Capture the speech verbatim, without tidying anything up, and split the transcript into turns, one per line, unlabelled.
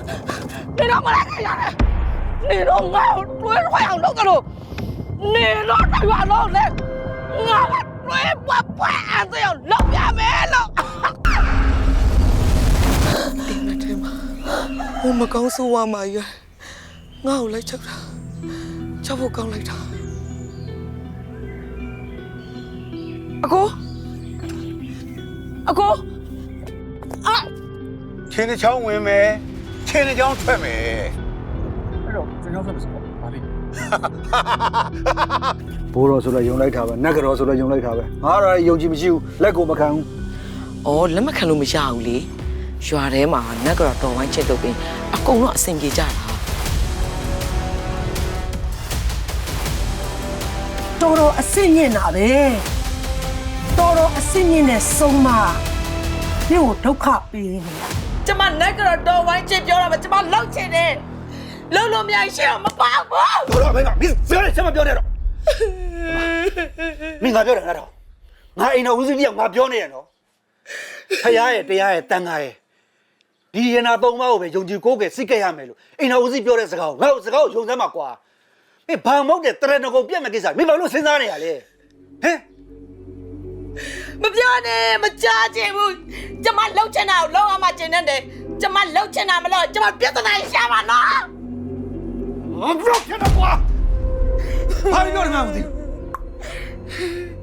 你让我来干啥呢？你让我追花样弄个路，你让这远路的，我们追不不俺这样老远没了。
ဒီမထဲမှာဟိုမကောင်းဆိုးဝါးမာရွယ်ငါ့ကိုလိုက်ချက်တာချက်ဖို့ကောင်းလိုက်တာအကိုအကိုအာ
ချင်းတစ်ချောင်းဝင်မယ်ချင်းတစ်ချောင်းထွက်မယ်
အဲ့တော့ကျွန်တော်ဆက်မစပေါ့ဗာလိ
ဘိုးတော်ဆိုတော့ယုံလိုက်တာပဲနတ်ကတော်ဆိုတော့ယုံလိုက်တာပဲငါတော့ယုံကြည်မရှိဘူးလက်ကိုမခံဘူး
ဩလက်မခံလို့မရဘူးလေရွာထဲမှာနတ်ကတော့တော်ဝိုင်းချက်တော့ပင်အကုန်လုံးအဆင်ပြေကြတာ
တော်တော်အစ်စ်ညင်တာပဲတော်တော်အစ်စ်ညင်တဲ့ဆုံးမဒီကိုဒုက္ခပေးနေတာ
ကျမနတ်ကတော့တော်ဝိုင်းချက်ပြောတာပဲကျမလောက်ချင်တယ်လုံးလုံးမြိုင်ရှေ့တော့မပေါက်ဘူး
ဘိုးတော်မင်းကမင်းပြောတယ်ဆက်မပြောနဲ့တော့မင်းငါပြောတယ်ငါတော့ငါအိမ်တော်ဦးစီးပြောငါပြောနေရနော်ဖရားရဲ့တရားရဲ့တန်ခါရဲ့ဒီရနာသုံးပါးကိုပဲယုံကြည်ကိုးကယ်စိတ်ကြရမယ်လို့အိမ်တော်ဦးစီးပြောတဲ့စကားကိုငါ့ကိုစကားကိုယုံစမ်းမှာကွာမင်းဘာမောက်တဲ့တရဏဂုံပြက်မဲ့ကိစ္စမင်းဘာလို့စဉ်းစားနေရလဲဟမ်
မပြောနဲ့မကြားချင်ဘူးကျမလောက်ချင်တာကိုလောက်အောင်မကျင်နဲ့တယ်ကျမလောက်ချင်တာမလို့ကျမပြဿနာရှာပါနော်
我不要骗他我，他有点难听。